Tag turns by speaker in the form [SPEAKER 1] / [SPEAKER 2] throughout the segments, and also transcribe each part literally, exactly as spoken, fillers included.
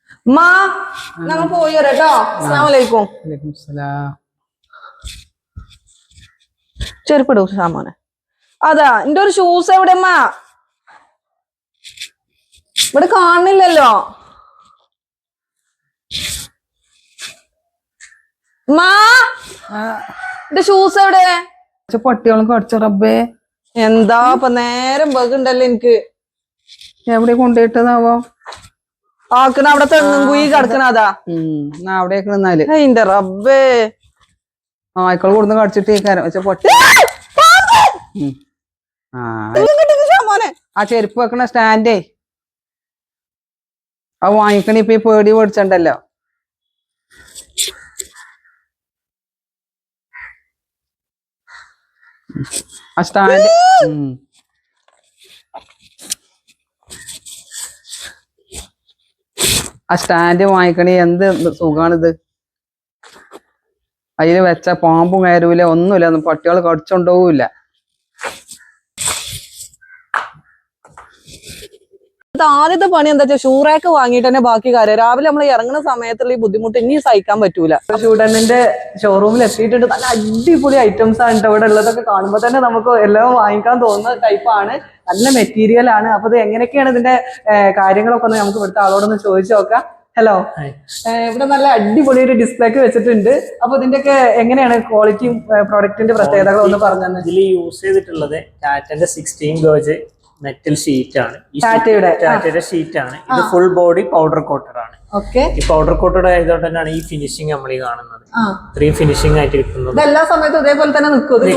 [SPEAKER 1] മാ നമ്മൾ പോയി വരാട്ടോ. അസ്സലാമു അലൈക്കും.
[SPEAKER 2] വലൈക്കും സലാം.
[SPEAKER 1] ചെരുപ്പിടൂ സാമോനെ. അതാ എന്റെ ഒരു ഷൂസ് എവിടെ അമ്മ? ഇവിടെ കാണുന്നില്ലല്ലോ. മാ എന്റെ ഷൂസ് എവിടെ?
[SPEAKER 2] പട്ടികളും കടിച്ച റബ്ബേ.
[SPEAKER 1] എന്താ ഇപ്പൊ നേരം ബഗുണ്ടല്ലോ എനിക്ക്.
[SPEAKER 2] എവിടെ കൊണ്ടുപോയിട്ടതാവോ?
[SPEAKER 1] ആക്കണ അവിടെ തെങ്ങും കുയി കിടക്കണതാ.
[SPEAKER 2] ഉം അവിടേക്ക് നിന്നാല്
[SPEAKER 1] എന്റെ റബ്ബേ.
[SPEAKER 2] ആയിക്കൾ കൊടുന്ന് കടിച്ചിട്ടേക്കാരം വെച്ച പൊട്ടി. ആ ചെരുപ്പ് വെക്കണ സ്റ്റാൻഡേ അത് വാങ്ങിക്കണ ഇപ്പൊ ഈ പേടി മേടിച്ചണ്ടല്ലോ. ആ സ്റ്റാൻഡ് ആ സ്റ്റാൻഡ് വാങ്ങിക്കണേ എന്ത് സുഖാണിത്. അതില് വെച്ച പാമ്പും കയറൂല, ഒന്നുമില്ല, ഒന്നും പട്ടികൾ കടിച്ചോണ്ടോവില്ല.
[SPEAKER 1] ആദ്യത്തെ പണി എന്താ വെച്ചാൽ ഷൂറാക്ക് വാങ്ങിയിട്ട് തന്നെ ബാക്കി കാര്യം. രാവിലെ നമ്മൾ ഇറങ്ങുന്ന സമയത്തുള്ള ഈ ബുദ്ധിമുട്ട് ഇനി സഹിക്കാൻ പറ്റൂല. ഷൂഡനിന്റെ ഷോറൂമിൽ എത്തിയിട്ടുണ്ട്. നല്ല അടിപൊളി ഐറ്റംസ് ആണ് ഇവിടെ ഉള്ളതൊക്കെ. കാണുമ്പോൾ തന്നെ നമുക്ക് എല്ലാം വാങ്ങിക്കാൻ തോന്നുന്ന ടൈപ്പാണ്. നല്ല മെറ്റീരിയൽ ആണ്. അപ്പൊ ഇത് എങ്ങനെയൊക്കെയാണ് ഇതിന്റെ കാര്യങ്ങളൊക്കെ ഒന്ന് നമുക്ക് ഇവിടുത്തെ ആളോടൊന്ന് ചോദിച്ചു നോക്കാം. ഹലോ, ഇവിടെ നല്ല അടിപൊളി ഒരു ഡിസ്പ്ലേ ഒക്കെ വെച്ചിട്ടുണ്ട്. അപ്പൊ ഇതിന്റെയൊക്കെ എങ്ങനെയാണ് ക്വാളിറ്റിയും പ്രോഡക്റ്റിന്റെ പ്രത്യേകതകൾ ഒന്ന് പറഞ്ഞു തന്നെ.
[SPEAKER 3] ഇതിൽ യൂസ് ചെയ്തിട്ടുള്ളത് ടാറ്റന്റെ സിക്സ്റ്റീൻ ഗേജ് മെറ്റൽ ഷീറ്റ് ആണ്.
[SPEAKER 1] ടാറ്റയുടെ
[SPEAKER 3] ടാറ്റയുടെ ഷീറ്റ് ആണ്. ഇത് ഫുൾ ബോഡി പൗഡർ കോട്ടഡ് ആണ്. ഈ പൗഡർ കോട്ടഡ് ആയതുകൊണ്ട് തന്നെയാണ് ഈ ഫിനിഷിംഗ് നമ്മൾ ഈ കാണുന്നത്. ഇത്രയും ഫിനിഷിംഗ് ആയിട്ട് കിട്ടുന്നത്.
[SPEAKER 1] എല്ലാ സമയത്തും ഇതേപോലെ തന്നെ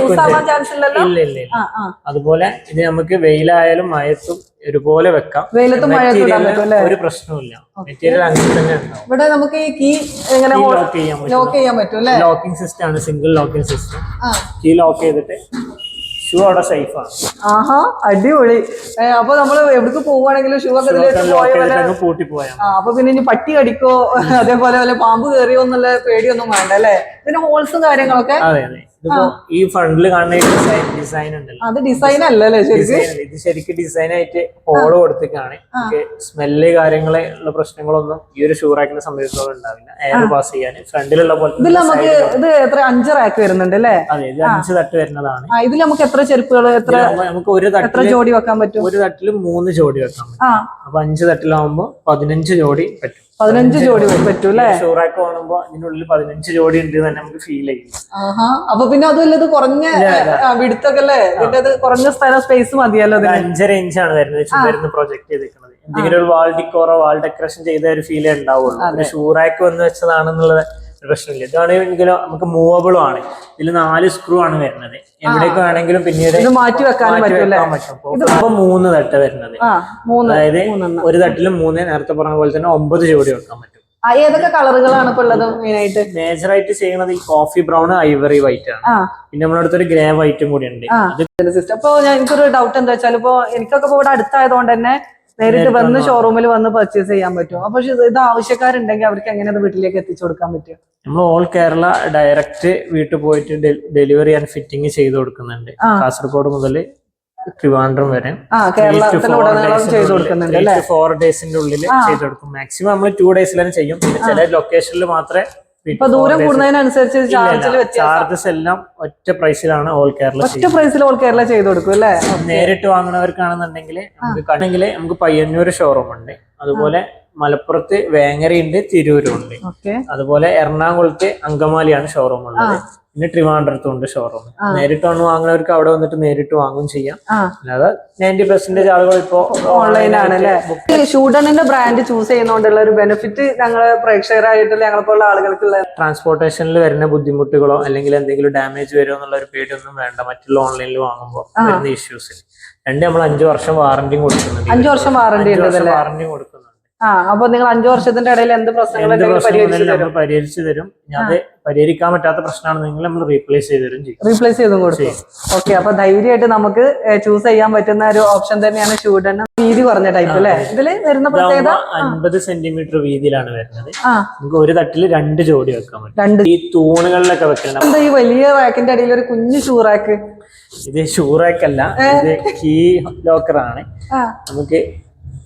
[SPEAKER 3] ഇല്ല ഇല്ല ഇല്ല. അതുപോലെ ഇത് നമുക്ക് വെയിലായാലും മഴത്തും ഒരുപോലെ വെക്കാം.
[SPEAKER 1] വെയിലത്തും മഴയത്തും
[SPEAKER 3] ഒരു പ്രശ്നവുമില്ല. മെറ്റീരിയൽ അങ്ങനെ തന്നെ ഉണ്ടാവും.
[SPEAKER 1] ഇവിടെ നമുക്ക് ഈ കീ എങ്ങനെ ലോക്ക് ചെയ്യാൻ പറ്റും അല്ലേ?
[SPEAKER 3] ലോക്കിംഗ് സിസ്റ്റം ആണ്, single locking system. Key lock ചെയ്തിട്ട് ഷൂ അവിടെ സേഫ് ആണ്.
[SPEAKER 1] ആഹാ, അടിപൊളി. അപ്പൊ നമ്മള് എവിടേക്ക് പോവുകയാണെങ്കിലും ഷൂ ഒക്കെ
[SPEAKER 3] പൂട്ടി പോയാ
[SPEAKER 1] അപ്പൊ പിന്നെ ഇനി പട്ടി കടിക്കോ അതേപോലെ വല്ല പാമ്പ് കയറിയോ എന്നുള്ള പേടിയൊന്നും വേണ്ട അല്ലേ? ഇതിന്റെ ഹോൾസും കാര്യങ്ങളൊക്കെ.
[SPEAKER 3] അതെ അതെ. ഇതിപ്പോ ഈ ഫ്രണ്ടിൽ കാണുന്ന ഡിസൈൻ ഉണ്ടല്ലോ,
[SPEAKER 1] അത് ഡിസൈൻ അല്ലല്ലേ ശരിക്കും?
[SPEAKER 3] ഇത് ശരിക്കും ഡിസൈൻ ആയിട്ട് ഹോള് കൊടുത്തേക്കാണ്. സ്മെല്ല് കാര്യങ്ങളെ ഉള്ള പ്രശ്നങ്ങളൊന്നും ഈ ഒരു ഷൂ റാക്കിനെ സംബന്ധിച്ചിടത്തോളം ഉണ്ടാവില്ല. എയർ പാസ് ചെയ്യാൻ ഫ്രണ്ടിലുള്ള പോലെ.
[SPEAKER 1] ഇതിൽ നമുക്ക് ഇത് എത്ര അഞ്ച് റാക്ക് വരുന്നുണ്ട് അല്ലേ?
[SPEAKER 3] അതെ, ഇത് അഞ്ച് തട്ട് വരുന്നതാണ്.
[SPEAKER 1] ഇതിൽ നമുക്ക് എത്ര ചെരുപ്പുകൾ എത്ര
[SPEAKER 3] നമുക്ക് ഒരു
[SPEAKER 1] എത്ര ജോഡി വെക്കാൻ പറ്റും?
[SPEAKER 3] ഒരു തട്ടില് മൂന്ന് ജോഡി വെക്കാൻ പറ്റും. അപ്പൊ അഞ്ച് തട്ടിലാവുമ്പോ പതിനഞ്ച് ജോഡി പറ്റും.
[SPEAKER 1] പതിനഞ്ച് ജോഡി പറ്റും അല്ലേ?
[SPEAKER 3] ഷൂറാക്ക് കാണുമ്പോ അതിനുള്ളിൽ പതിനഞ്ച് ജോഡി ഉണ്ട് തന്നെ നമുക്ക് ഫീൽ ചെയ്യും.
[SPEAKER 1] അപ്പൊ പിന്നെ അതുമല്ല, ഇത് കുറഞ്ഞ വിടുത്തൊക്കെ അല്ലേ? ഇതിന്റെ കുറഞ്ഞ സ്ഥലം സ്പേസ് മതിയല്ലോ.
[SPEAKER 3] അഞ്ചര ഇഞ്ചാണ് വരുന്നത് വരുന്ന പ്രൊജക്ട് ചെയ്തിരിക്കുന്നത്. എന്തെങ്കിലും ഒരു വാൾ ഡിക്കോറോ വാൾ ഡെക്കറേഷൻ ചെയ്ത ഒരു ഫീലേ ഉണ്ടാവുള്ളൂ. ഷൂറാക്ക് വന്ന് വെച്ചതാണെന്നുള്ളത് പ്രശ്നമില്ല. ഇതാണെങ്കിലും നമുക്ക് മൂവബിളും ആണ്. ഇതിൽ നാല് സ്ക്രൂ ആണ് വരുന്നത്. എവിടേക്ക് വേണമെങ്കിലും പിന്നീട്
[SPEAKER 1] മാറ്റി വെക്കാൻ
[SPEAKER 3] പറ്റും. അപ്പൊ മൂന്ന് തട്ട് വരുന്നത്. അതായത് ഒരു തട്ടിലും മൂന്ന്, നേരത്തെ പറഞ്ഞ പോലെ തന്നെ ഒമ്പത് ജോഡി വെക്കാൻ പറ്റും.
[SPEAKER 1] ഏതൊക്കെ കളറുകളാണ് ഇപ്പൊ ഉള്ളത്? മെയിനായിട്ട്
[SPEAKER 3] മേജർ ആയിട്ട് ചെയ്യുന്നത് ഈ കോഫി ബ്രൗൺ, ഐവറി വൈറ്റ് ആണ്. പിന്നെ നമ്മുടെ അടുത്തൊരു ഗ്രേ വൈറ്റും കൂടി ഉണ്ട്.
[SPEAKER 1] അപ്പൊ ഞാൻ എനിക്കൊരു ഡൗട്ട് എന്താ വെച്ചാൽ, ഇപ്പൊ എനിക്കൊക്കെ ഇവിടെ അടുത്തായതുകൊണ്ട് തന്നെ നേരിട്ട് വന്ന് ഷോറൂമിൽ വന്ന് പർച്ചേസ് ചെയ്യാൻ പറ്റും. അപ്പൊ ഇത് ആവശ്യക്കാരുണ്ടെങ്കിൽ അവർക്ക് എങ്ങനെ അത് വീട്ടിലേക്ക് എത്തിച്ചു കൊടുക്കാൻ പറ്റും?
[SPEAKER 3] നമ്മൾ ഓൾ കേരള ഡയറക്റ്റ് വീട്ടിൽ പോയിട്ട് ഡെലിവറി ആൻഡ് ഫിറ്റിംഗ് ചെയ്ത് കൊടുക്കുന്നുണ്ട്. കാസർഗോഡ് മുതൽ ട്രിവാൻഡ്രം വരെ ഫോർ ഡേയ്സിന്റെ ഉള്ളിൽ ചെയ്ത് കൊടുക്കും. മാക്സിമം നമ്മൾ ടു ഡേയ്സിലാണ് ചെയ്യും. പിന്നെ ചില ലൊക്കേഷനിൽ മാത്രമേ.
[SPEAKER 1] ദൂരം കൂടുന്നതിനനുസരിച്ച്
[SPEAKER 3] ചാർജസ് എല്ലാം ഒറ്റ പ്രൈസിലാണ് ഓൾ കേരള
[SPEAKER 1] ഒറ്റ പ്രൈസിൽ ഓൾ കേരള ചെയ്ത് കൊടുക്കും അല്ലേ?
[SPEAKER 3] നേരിട്ട് വാങ്ങുന്നവർക്കാണെന്നുണ്ടെങ്കിൽ നമുക്ക് നമുക്ക് പയ്യന്നൂർ ഷോറൂം ഉണ്ട്. അതുപോലെ മലപ്പുറത്ത് വേങ്ങരയുണ്ട്, തിരൂരും ഉണ്ട്. അതുപോലെ എറണാകുളത്ത് അങ്കമാലിയാണ് ഷോറൂം ഉള്ളത്. പിന്നെ ട്രിവാൻഡ്രത്തും ഉണ്ട് ഷോറൂം. നേരിട്ട് വന്ന് വാങ്ങുന്നവർക്ക് അവിടെ വന്നിട്ട് നേരിട്ട് വാങ്ങും ചെയ്യാം. അല്ലാതെ നയൻറ്റി പെർസെന്റേജ് ആളുകൾ ഇപ്പോ
[SPEAKER 1] ഓൺലൈനാണ് അല്ലേ? ഷൂഡണിന്റെ ബ്രാൻഡ് ചൂസ് ചെയ്യുന്നതുകൊണ്ടുള്ള ഒരു ബെനിഫിറ്റ് ഞങ്ങള് പ്രേക്ഷകരായിട്ടുള്ള ഞങ്ങളെപ്പോലുള്ള ആളുകൾക്കുള്ള
[SPEAKER 3] ട്രാൻസ്പോർട്ടേഷനിൽ വരുന്ന ബുദ്ധിമുട്ടുകളോ അല്ലെങ്കിൽ എന്തെങ്കിലും ഡാമേജ് വരുമോ എന്നുള്ള ഒരു പേടിയൊന്നും വേണ്ട. മറ്റുള്ള ഓൺലൈനിൽ വാങ്ങുമ്പോൾ വരുന്ന ഇഷ്യൂസ്. രണ്ട് നമ്മൾ അഞ്ചു വർഷം വാറന്റിയും കൊടുക്കുന്നുണ്ട്.
[SPEAKER 1] അഞ്ചു വർഷം വാറന്റി
[SPEAKER 3] വാറന്റിയും കൊടുക്കുന്നുണ്ട്.
[SPEAKER 1] ആ, അപ്പൊ നിങ്ങൾ അഞ്ചു വർഷത്തിന്റെ ഇടയിൽ എന്ത് പ്രശ്നങ്ങൾ
[SPEAKER 3] പരിഹരിച്ചു തരും. അത് പരിഹരിക്കാൻ പറ്റാത്ത പ്രശ്നമാണ് നിങ്ങൾ നമ്മൾ റീപ്ലേസ് ചെയ്ത് തരും ചെയ്യും.
[SPEAKER 1] റീപ്ലേസ് ചെയ്തും കൊടുക്കും. ഓക്കെ, അപ്പൊ ധൈര്യമായിട്ട് നമുക്ക് ചൂസ് ചെയ്യാൻ പറ്റുന്ന ഒരു ഓപ്ഷൻ തന്നെയാണ് ഷൂഡൺ. വീതി കുറഞ്ഞ ടൈപ്പ് അല്ലേ? ഇതില് വരുന്ന പ്രത്യേകത
[SPEAKER 3] അൻപത് സെന്റിമീറ്റർ വീതിയിലാണ് വരുന്നത്. നമുക്ക് ഒരു തട്ടില് രണ്ട് ജോഡി വെക്കാൻ പറ്റും. ഈ തൂണുകളിലൊക്കെ വെക്കണം.
[SPEAKER 1] എന്താ ഈ വലിയ റാക്കിന്റെ അടിയിൽ ഒരു കുഞ്ഞു ഷൂ റാക്ക്?
[SPEAKER 3] ഇത് ഷൂ റാക്ക് അല്ല, ഇത് കീ ലോക്കറാണ്. നമുക്ക്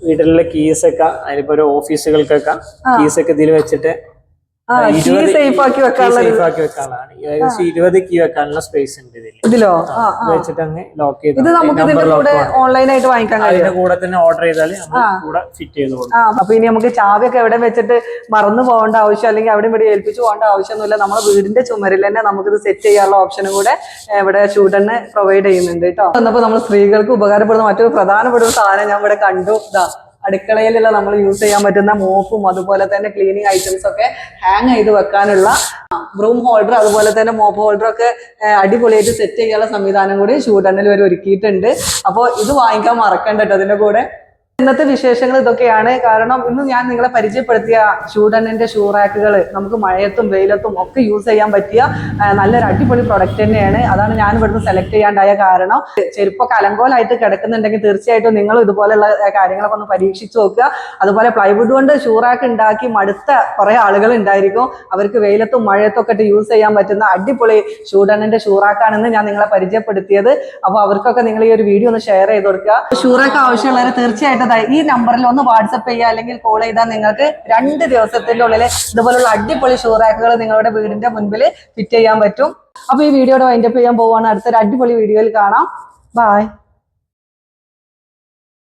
[SPEAKER 3] വീട്ടിലുള്ള കീസ് ഒക്കെ അതിലിപ്പോ ഒരു ഓഫീസുകൾക്കൊക്കെ കീസ് ഒക്കെ ഇതിൽ വെച്ചിട്ട്
[SPEAKER 1] സേഫ് ആക്കി വെക്കാനുള്ള
[SPEAKER 3] സേഫ് ആക്കി വെക്കാനുള്ളതാണ്. ഏകദേശം ഇരുപത് കീ വെക്കാനുള്ള സ്പേസ് ഉണ്ട് ഇതിൽ.
[SPEAKER 1] ഇതിലോ
[SPEAKER 3] വെച്ചിട്ട് അങ്ങ് ലോക്ക് ചെയ്ത്
[SPEAKER 1] ഇത് നമുക്ക് ഇതിന്റെ കൂടെ ഓൺലൈൻ ആയിട്ട് വാങ്ങിക്കാൻ കഴിയും.
[SPEAKER 3] അതിന്റെ കൂടെ തന്നെ ഓർഡർ ചെയ്താൽ കൂടെ ഫിറ്റ് ചെയ്ത് കൊടുക്കും.
[SPEAKER 1] അപ്പൊ ഇനി നമുക്ക് ചാവിയൊക്കെ എവിടെ വെച്ചിട്ട് മറന്നു പോകേണ്ട ആവശ്യം അല്ലെങ്കിൽ അവിടെ ഇവിടെ ഏൽപ്പിച്ചു പോകേണ്ട ആവശ്യമൊന്നുമില്ല. നമ്മുടെ വീടിന്റെ ചുമരിൽ തന്നെ നമുക്കിത് സെറ്റ് ചെയ്യാനുള്ള ഓപ്ഷനും കൂടെ ഇവിടെ ഷൂട്ടറിന് പ്രൊവൈഡ് ചെയ്യുന്നുണ്ട് കേട്ടോ. എന്നപ്പോ നമ്മൾ സ്ത്രീകൾക്ക് ഉപകാരപ്പെടുന്ന മറ്റൊരു പ്രധാനപ്പെട്ട ഒരു സാധനം ഞാൻ ഇവിടെ കണ്ടു. ഇതാ അടുക്കളയിലുള്ള നമ്മൾ യൂസ് ചെയ്യാൻ പറ്റുന്ന മോപ്പും അതുപോലെ തന്നെ ക്ലീനിങ് ഐറ്റംസ് ഒക്കെ ഹാങ് ചെയ്ത് വെക്കാനുള്ള ബ്രൂം ഹോൾഡർ അതുപോലെ തന്നെ മോപ്പ് ഹോൾഡർ ഒക്കെ അടിപൊളിയായിട്ട് സെറ്റ് ചെയ്യാനുള്ള സംവിധാനം കൂടി ഷൂട്ടണിൽ വരെ ഒരുക്കിയിട്ടുണ്ട്. അപ്പോൾ ഇത് വാങ്ങിക്കാൻ മറക്കണ്ട കേട്ടോ. അതിന്റെ കൂടെ ഇന്നത്തെ വിശേഷങ്ങൾ ഇതൊക്കെയാണ്. കാരണം ഇന്ന് ഞാൻ നിങ്ങളെ പരിചയപ്പെടുത്തിയ ഷൂട്ടണിന്റെ ഷൂ റാക്കുകൾ നമുക്ക് മഴയത്തും വെയിലത്തും ഒക്കെ യൂസ് ചെയ്യാൻ പറ്റിയ നല്ലൊരു അടിപൊളി പ്രൊഡക്റ്റ് തന്നെയാണ്. അതാണ് ഞാൻ ഇവിടുന്ന് സെലക്ട് ചെയ്യാണ്ടായ കാരണം. ചെരുപ്പൊക്കെ അലങ്കോലായിട്ട് കിടക്കുന്നുണ്ടെങ്കിൽ തീർച്ചയായിട്ടും നിങ്ങൾ ഇതുപോലെയുള്ള കാര്യങ്ങളൊക്കെ ഒന്ന് പരീക്ഷിച്ച് നോക്കുക. അതുപോലെ പ്ലൈവുഡ് കൊണ്ട് ഷൂ റാക്ക് ഉണ്ടാക്കി മടുത്ത കുറെ ആളുകൾ ഉണ്ടായിരിക്കും. അവർക്ക് വെയിലത്തും മഴയത്തും ഒക്കെ യൂസ് ചെയ്യാൻ പറ്റുന്ന അടിപൊളി ഷൂട്ടണിന്റെ ഷൂ റാക്കാണെന്ന് ഞാൻ നിങ്ങളെ പരിചയപ്പെടുത്തിയത്. അപ്പോൾ അവർക്കൊക്കെ നിങ്ങൾ ഈ ഒരു വീഡിയോ ഒന്ന് ഷെയർ ചെയ്ത് കൊടുക്കുക. ഷൂ റാക്ക് ആവശ്യമുള്ളവരെ തീർച്ചയായിട്ടും ഈ നമ്പറിൽ ഒന്ന് വാട്സപ്പ് ചെയ്യുക അല്ലെങ്കിൽ കോൾ ചെയ്താൽ നിങ്ങൾക്ക് രണ്ട് ദിവസത്തിന്റെ ഉള്ളിൽ ഇതുപോലുള്ള അടിപൊളി ഷൂ റാക്കുകൾ നിങ്ങളുടെ വീടിന്റെ മുൻപിൽ ഫിറ്റ് ചെയ്യാൻ പറ്റും. അപ്പൊ ഈ വീഡിയോയുടെ വൈൻഡപ്പ് ചെയ്യാൻ പോവാണ്. അടുത്തൊരു അടിപൊളി വീഡിയോയിൽ കാണാം. ബൈ.